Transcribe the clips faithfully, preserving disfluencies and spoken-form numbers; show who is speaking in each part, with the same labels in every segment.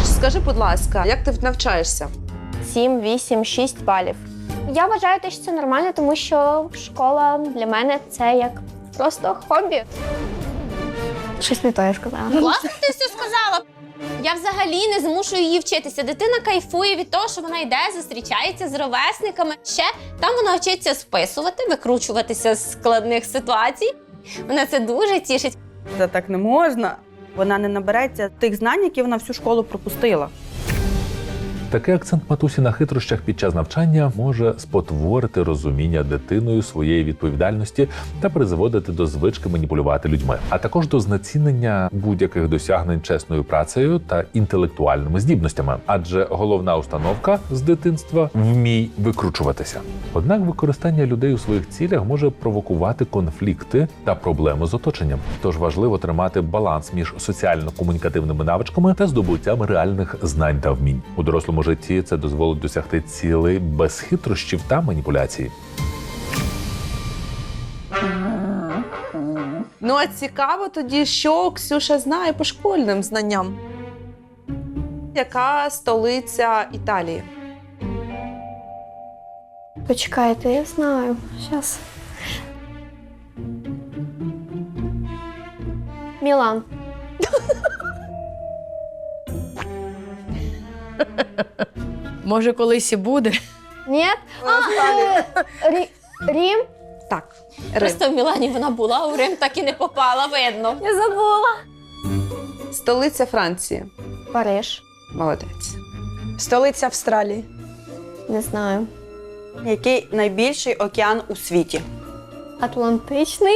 Speaker 1: Скажи, будь ласка, як ти навчаєшся?
Speaker 2: сім, вісім, шість балів. Я вважаю, що це нормально, тому що школа для мене це як просто хобі. Щось не то я сказала.
Speaker 3: Класно ти все сказала. Я взагалі не змушую її вчитися. Дитина кайфує від того, що вона йде, зустрічається з ровесниками. Ще там вона вчиться списувати, викручуватися з складних ситуацій. Вона це дуже тішить.
Speaker 4: Це так не можна. Вона не набереться тих знань, які вона всю школу пропустила.
Speaker 5: Такий акцент матусі на хитрощах під час навчання може спотворити розуміння дитиною своєї відповідальності та призводити до звички маніпулювати людьми, а також до знецінення будь-яких досягнень чесною працею та інтелектуальними здібностями. Адже головна установка з дитинства – вмій викручуватися. Однак використання людей у своїх цілях може провокувати конфлікти та проблеми з оточенням. Тож важливо тримати баланс між соціально-комунікативними навичками та здобуттям реальних знань та вмінь. У дорослому житті це дозволить досягти цілей без хитрощів та маніпуляцій.
Speaker 1: Ну, а цікаво тоді, що Ксюша знає по школьним знанням. Яка столиця Італії?
Speaker 2: Почекайте, я знаю. Щас. Мілан.
Speaker 6: Може, колись і буде.
Speaker 2: Ні? А, Рі... Рім?
Speaker 1: Так, Рим.
Speaker 3: Просто в Мілані вона була, а у Рим так і не попала, видно.
Speaker 2: Я забула.
Speaker 1: Столиця Франції.
Speaker 2: Париж.
Speaker 1: Молодець.
Speaker 6: Столиця Австралії.
Speaker 2: Не знаю.
Speaker 4: Який найбільший океан у світі?
Speaker 2: Атлантичний?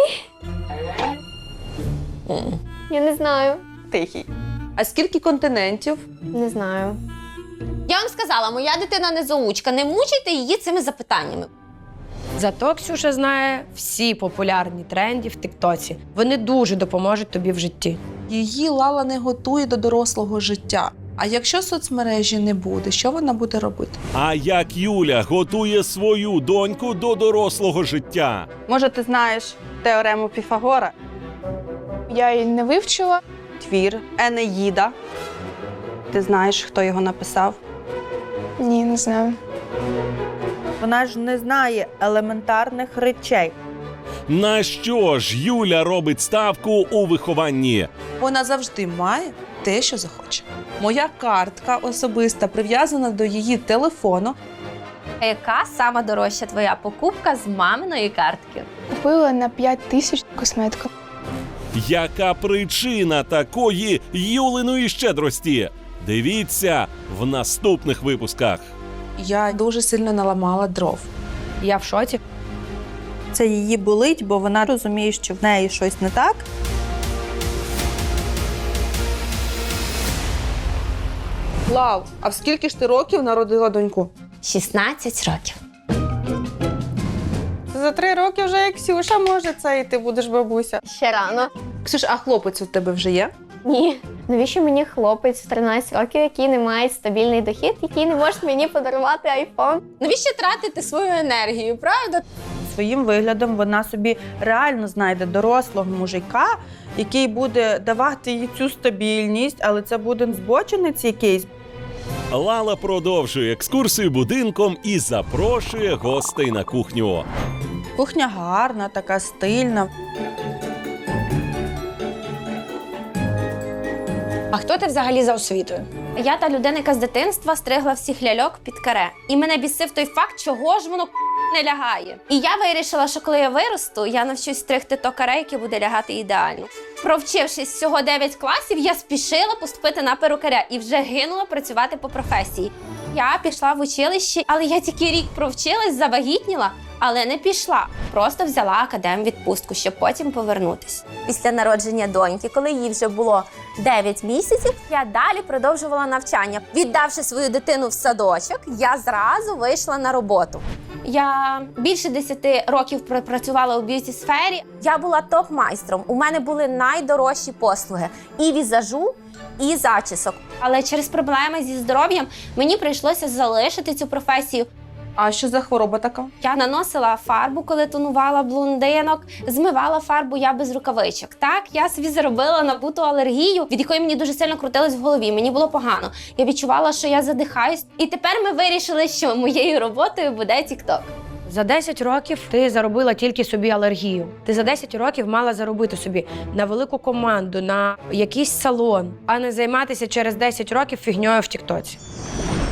Speaker 2: Я не знаю.
Speaker 4: Тихий.
Speaker 1: А скільки континентів?
Speaker 2: Не знаю.
Speaker 3: Я вам сказала, моя дитина не заучка, не мучайте її цими запитаннями.
Speaker 6: Зато Ксюша знає всі популярні тренди в Тіктоці. Вони дуже допоможуть тобі в житті.
Speaker 1: Її Лала не готує до дорослого життя. А якщо соцмережі не буде, що вона буде робити?
Speaker 7: А як Юля готує свою доньку до дорослого життя?
Speaker 4: Може, ти знаєш теорему Піфагора?
Speaker 8: Я її не вивчила.
Speaker 4: Твір Енеїда. Ти знаєш, хто його написав?
Speaker 8: Ні, не знаю.
Speaker 4: Вона ж не знає елементарних речей.
Speaker 7: На що ж Юля робить ставку у вихованні?
Speaker 1: Вона завжди має те, що захоче. Моя картка особиста прив'язана до її телефону.
Speaker 3: А яка сама дорожча твоя покупка з маминої картки?
Speaker 8: Купила на п'ять тисяч косметику.
Speaker 7: Яка причина такої Юлиної щедрості? Дивіться в наступних випусках.
Speaker 1: Я дуже сильно наламала дров.
Speaker 6: Я в шоці.
Speaker 4: Це її болить, бо вона розуміє, що в неї щось не так.
Speaker 1: Лав, а в скільки ж ти років народила доньку?
Speaker 3: шістнадцять років.
Speaker 4: За три роки вже як Ксюша може це, і ти будеш бабуся.
Speaker 2: Ще рано.
Speaker 1: Ксюш, а хлопець у тебе вже є?
Speaker 2: Ні. Навіщо мені хлопець в тринадцять років, який не має стабільний дохід, який не може мені подарувати айфон?
Speaker 3: Навіщо тратити свою енергію, правда?
Speaker 4: Своїм виглядом вона собі реально знайде дорослого мужика, який буде давати їй цю стабільність, але це буде збочинець якийсь.
Speaker 7: Лала продовжує екскурсію будинком і запрошує гостей на кухню.
Speaker 4: Кухня гарна, така стильна.
Speaker 6: А хто ти взагалі за освітою?
Speaker 3: Я та людина, яка з дитинства стригла всіх ляльок під каре. І мене бісив той факт, чого ж воно не лягає. І я вирішила, що коли я виросту, я навчусь стригти то каре, яке буде лягати ідеально. Провчившись всього дев'ять класів, я спішила поступити на перукаря і вже гинула працювати по професії. Я пішла в училище, але я тільки рік провчилась, завагітніла, але не пішла. Просто взяла академвідпустку, щоб потім повернутися. Після народження доньки, коли їй вже було дев'ять місяців, я далі продовжувала навчання. Віддавши свою дитину в садочок, я зразу вийшла на роботу. Я більше десяти років пропрацювала у б'юті-сфері. Я була топ-майстром. У мене були найдорожчі послуги і візажу, і зачісок. Але через проблеми зі здоров'ям мені прийшлося залишити цю професію.
Speaker 1: А що за хвороба така?
Speaker 3: Я наносила фарбу, коли тонувала блондинок, змивала фарбу я без рукавичок. Так, я собі заробила набуту алергію, від якої мені дуже сильно крутилось в голові. Мені було погано. Я відчувала, що я задихаюсь. І тепер ми вирішили, що моєю роботою буде TikTok.
Speaker 6: За десять років ти заробила тільки собі алергію. Ти за десять років мала заробити собі на велику команду, на якийсь салон, а не займатися через десять років фігньою в Тіктоці.